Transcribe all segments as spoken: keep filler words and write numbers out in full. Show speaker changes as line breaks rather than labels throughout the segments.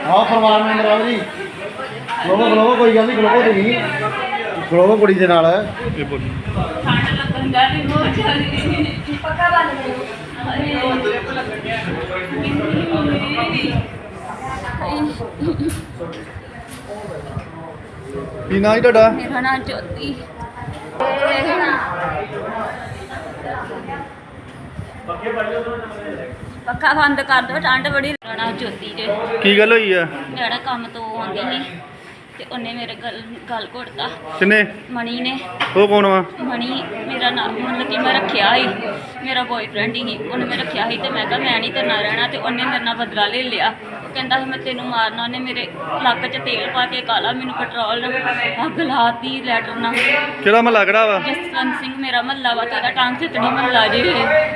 ਆਹ ਪਰਿਵਾਰ ਮੈਂਬਰ ਆਓ ਜੀ। ਖਲੋਵੋ ਖਲੋਵੋ, ਕੋਈ ਗੱਲ ਨਹੀਂ, ਖਲੋਵੋ ਤੁਸੀਂ ਖਲੋਵੋ ਕੁੜੀ ਦੇ ਨਾਲ।
ਇਹ ਬੋਲੀ
ਠੰਡ ਲੱਗਣ ਦਾ ਵੀ ਬਹੁਤ ਜ਼ਿਆਦਾ ਪੱਕਾ ਬੰਦ ਕਰੋ।
ਕੀ ਨਾਂ ਜੀ ਤੁਹਾਡਾ?
ਮੇਰਾ ਨਾਮ ਜੋਤੀ। ਪੱਕਾ ਬੰਦ ਕਰ ਦੋ, ਠੰਡ ਬੜੀ। ਮੇਰਾ ਨਾਮ ਜੋਤੀ ਜੇ।
ਕੀ ਗੱਲ ਹੋਈ ਆ?
ਜਿਹੜਾ ਕੰਮ ਤੋਂ ਆਉਂਦੀ ਸੀ ਤੇ ਉਹਨੇ ਮੇਰੇ ਗਲ ਗਲ ਘੁੱਟਤਾ।
ਕਿੰਨੇ?
ਮਣੀ ਨੇ।
ਉਹ ਕੌਣ ਵਾ?
ਮਣੀ ਮੇਰਾ ਨਾਮ, ਮਤਲਬ ਕਿ ਮੈਂ ਰੱਖਿਆ ਸੀ, ਮੇਰਾ ਬॉयਫ੍ਰੈਂਡ ਹੀ। ਉਹਨੇ ਮੈਂ ਰੱਖਿਆ ਸੀ ਤੇ ਮੈਂ ਕਿਹਾ ਮੈਂ ਨਹੀਂ ਤੇਰੇ ਨਾਲ ਰਹਿਣਾ, ਤੇ ਉਹਨੇ ਮੇਰੇ ਨਾਲ ਬਦਲਾ ਲੈ ਲਿਆ। ਉਹ ਕਹਿੰਦਾ ਸੀ ਮੈਂ ਤੈਨੂੰ ਮਾਰਨਾ। ਉਹਨੇ ਮੇਰੇ ਲੱਕ 'ਚ ਤੇਲ ਪਾ ਕੇ ਕਾਲਾ ਮੈਨੂੰ ਪੈਟਰੋਲ ਨਾਲ ਅੱਗ ਲਾਤੀ, ਲੈਟਰ ਨਾਲ।
ਕਿਹੜਾ ਮਹੱਲਾ ਕਿਹੜਾ ਵਾ?
ਜਸਵੰਤ ਸਿੰਘ ਮੇਰਾ ਮਹੱਲਾ ਵਾ, ਤੇ ਉਹਦਾ ਟਾਂਗ ਚਿੱਤੜੀ ਮਹੱਲਾ ਜੇ।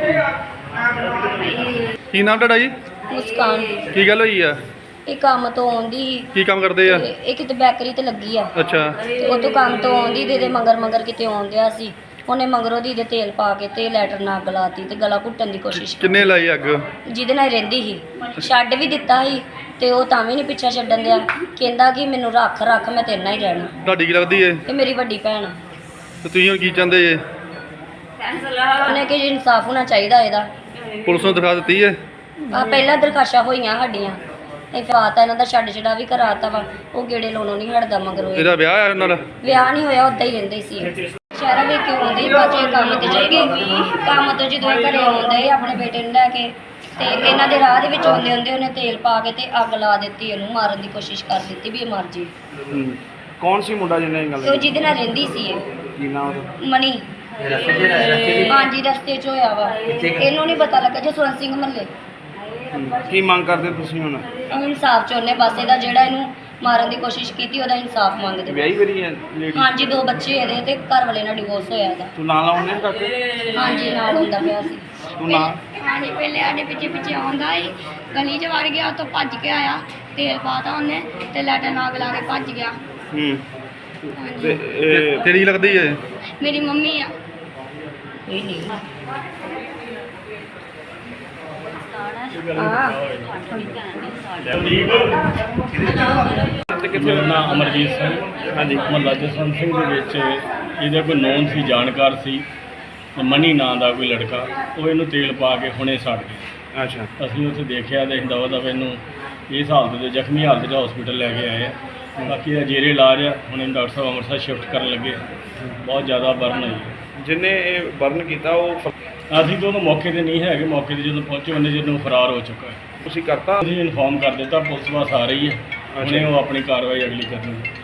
ਕੀ ਨਾਮ ਤੁਹਾਡਾ ਜੀ?
ਮੁਸਕਾਨ।
ਕੀ ਗੱਲ ਹੋਈ ਆ?
ਇਹ ਕੰਮ ਤੋਂ ਆਉਂਦੀ ਸੀ
ਕੀ ਕੰਮ ਕਰਦੇ ਆ?
ਤੇ ਇਹ ਕਿਤੇ ਬੈਕਰੀ ਤੇ ਲੱਗੀ ਆ।
ਅੱਛਾ।
ਤੇ ਉਹ ਤੋਂ ਕੰਮ ਤੋਂ ਆਉਂਦੀ ਦੇ ਦੇ ਮਗਰ ਮਗਰ ਕਿਤੇ ਆਉਂਦਿਆ ਸੀ। ਉਹਨੇ ਮਗਰੋਂ ਦੀ ਦੇ ਤੇਲ ਪਾ ਕੇ ਤੇ ਲੈਟਰ ਨਾਲ ਅੱਗ ਲਾਤੀ ਤੇ ਗਲਾ ਘੁੱਟਣ ਦੀ ਕੋਸ਼ਿਸ਼ ਕੀਤੀ।
ਕਿੰਨੇ ਲਾਈ ਅੱਗ?
ਜਿਹਦੇ ਨਾਲ ਰਹਿੰਦੀ ਸੀ। ਛੱਡ ਵੀ ਦਿੱਤਾ ਸੀ ਤੇ ਉਹ ਤਾਂ ਵੀ ਨਹੀਂ ਪਿੱਛਾ ਛੱਡਣ ਦਿਆ। ਕਹਿੰਦਾ ਕਿ ਮੈਨੂੰ ਰੱਖ ਰੱਖ, ਮੈਂ ਤੇਰੇ ਨਾਲ ਹੀ ਰਹਿਣਾ।
ਤੁਹਾਡੀ ਕੀ ਲੱਗਦੀ ਏ?
ਇਹ ਮੇਰੀ ਵੱਡੀ ਭੈਣ ਆ।
ਤੇ ਤੁਸੀਂ ਹੁਣ ਕੀ ਚਾਹੁੰਦੇ ਜੇ?
ਉਹਨੇ ਕਿ ਇਨਸਾਫ ਹੋਣਾ ਚਾਹੀਦਾ ਇਹਦਾ।
ਪੁਲਿਸ ਨੂੰ ਦਿਖਾ ਦਿੱਤੀ ਏ?
ਆ ਪਹਿਲਾਂ ਦਰਖਾਸ਼ਾਂ ਹੋਈਆਂ ਸਾਡੀਆਂ, ਇਹ ਫਾਤਾ ਇਹਨਾਂ ਦਾ ਛੱਡ ਛਡਾ ਵੀ ਕਰਾਤਾ ਵਾ। ਉਹ ਗੇੜੇ ਲਾਉਣੋਂ ਨਹੀਂ ਹਟਦਾ ਮਗਰੋਂ।
ਇਹਦਾ ਵਿਆਹ ਆ ਉਹਨਾਂ ਨਾਲ?
ਵਿਆਹ ਨਹੀਂ ਹੋਇਆ, ਉੱਦਾਂ ਹੀ ਰਹਿੰਦੇ ਸੀ। ਸ਼ਹਿਰਾਂ ਵਿੱਚ ਕਿਉਂ ਆਉਂਦੇ ਬਾਅਦ ਕੰਮ ਤੇ ਚਲੇ ਗਏ। ਕੰਮ ਤੋਂ ਜਦੋਂ ਇਹ ਘਰੇ ਆਉਂਦੇ ਆਪਣੇ ਬੇਟੇ ਨੂੰ ਲੈ ਕੇ, ਤੇ ਇਹਨਾਂ ਦੇ ਰਾਹ ਦੇ ਵਿੱਚ ਆਉਂਦੇ ਹੁੰਦੇ ਉਹਨੇ ਤੇਲ ਪਾ ਕੇ ਤੇ ਅੱਗ ਲਾ ਦਿੱਤੀ। ਇਹਨੂੰ ਮਾਰਨ ਦੀ ਕੋਸ਼ਿਸ਼ ਕਰ ਦਿੱਤੀ ਵੀ ਇਹ ਮਰ ਜੇ।
ਕੌਣ ਸੀ ਮੁੰਡਾ ਜਿਹਨੇ ਇਹ ਗੱਲ
ਉਹ ਜਿਹਦੇ ਨਾਲ ਰਹਿੰਦੀ ਸੀ ਇਹ
ਕੀ ਨਾਮ ਉਹਦਾ?
ਮਣੀ। ਹਾਂਜੀ, ਰਸਤੇ 'ਚ ਹੋਇਆ ਵਾ। ਇਹਨੂੰ ਨਹੀਂ ਪਤਾ ਲੱਗਾ। ਜਸਵੰਤ ਸਿੰਘ ਮਹੱਲੇ।
ਕੀ ਮੰਗ ਕਰਦੇ ਤੁਸੀਂ ਹੁਣ?
ਉਹ ਇਨਸਾਫ ਚਾਹੁੰਦੇ ਬਸ, ਇਹਦਾ ਜਿਹੜਾ ਇਹਨੂੰ ਮਾਰਨ ਦੀ ਕੋਸ਼ਿਸ਼ ਕੀਤੀ ਉਹਦਾ ਇਨਸਾਫ ਮੰਗਦੇ।
ਵਿਆਹੀ ਵਰੀ ਹੈ ਲੇਡੀ?
ਹਾਂਜੀ, ਦੋ ਬੱਚੇ ਇਹਦੇ ਤੇ ਘਰ ਵਾਲੇ ਨਾਲ ਡਿਵੋਰਸ ਹੋਇਆ ਇਹਦਾ।
ਤੂੰ ਨਾਲ ਆਉਂਦੇ ਕਾਕੇ?
ਹਾਂਜੀ, ਨਾਲ ਹੁੰਦਾ ਪਿਆ ਸੀ।
ਤੂੰ ਨਾਲ?
ਹਾਂਜੀ, ਪਹਿਲੇ ਸਾਡੇ ਪਿੱਛੇ ਪਿੱਛੇ ਆਉਂਦਾ ਸੀ, ਗਲੀ 'ਚ ਵੜ ਗਿਆ, ਉੱਥੋਂ ਭੱਜ ਕੇ ਆਇਆ, ਤੇਲ ਪਾਤਾ ਉਹਨੇ ਤੇ ਲੈਟਰ ਨਾਗ ਲਾ ਕੇ ਭੱਜ ਗਿਆ।
ਹੂੰ।
ਹਾਂਜੀ।
ਤੇ ਇਹ
ਤੇਰੀ ਲੱਗਦੀ ਏ?
ਮੇਰੀ ਮੰਮੀ ਆ। ਕੋਈ ਨਹੀਂ। ਹਾਂ।
ਮੇਰਾ ਨਾਮ ਅਮਰਜੀਤ ਸਿੰਘ।
ਹਾਂਜੀ।
ਮੁਹੱਲਾ ਜਸਵੰਤ ਸਿੰਘ ਦੇ ਵਿੱਚ ਇਹਦਾ ਕੋਈ ਨੌਨ ਸੀ, ਜਾਣਕਾਰ ਸੀ, ਮਨੀ ਨਾਂ ਦਾ ਕੋਈ ਲੜਕਾ। ਉਹ ਇਹਨੂੰ ਤੇਲ ਪਾ ਕੇ ਹੁਣੇ ਸੜ ਗਿਆ।
ਅੱਛਾ।
ਅਸੀਂ ਉੱਥੇ ਦੇਖਿਆ ਤੇ ਦਵਾ ਦਵਾ ਇਹਨੂੰ ਇਸ ਹਾਲਤ ਦੇ ਜ਼ਖਮੀ ਹਾਲਤ 'ਚ ਹਸਪੀਟਲ ਲੈ ਕੇ ਆਏ ਆ। ਬਾਕੀ ਦਾ ਜੇਰੇ ਇਲਾਜ ਆ। ਹੁਣ ਇਹਨੂੰ ਡਾਕਟਰ ਸਾਹਿਬ ਅੰਮ੍ਰਿਤਸਰ ਸ਼ਿਫਟ ਕਰਨ ਲੱਗੇ। ਬਹੁਤ ਜ਼ਿਆਦਾ ਬਰਨ ਹੋਈ ਹੈ।
ਜਿਹਨੇ ਇਹ ਬਰਨ ਕੀਤਾ ਉਹ
ਅਸੀਂ ਤਾਂ ਉਦੋਂ ਮੌਕੇ 'ਤੇ ਨਹੀਂ ਹੈਗੇ। ਮੌਕੇ 'ਤੇ ਜਦੋਂ ਪਹੁੰਚੇ ਉਹਨੇ ਜਦੋਂ ਫਰਾਰ ਹੋ ਚੁੱਕਾ ਹੈ।
ਤੁਸੀਂ ਕਰਤਾ?
ਅਸੀਂ ਇਨਫੋਰਮ ਕਰ ਦਿੱਤਾ, ਪੁਲਿਸ ਬਸ ਆ ਰਹੀ ਹੈ। ਹੁਣੇ ਉਹ ਆਪਣੀ ਕਾਰਵਾਈ ਅਗਲੀ ਕਰਨੀ ਹੈ।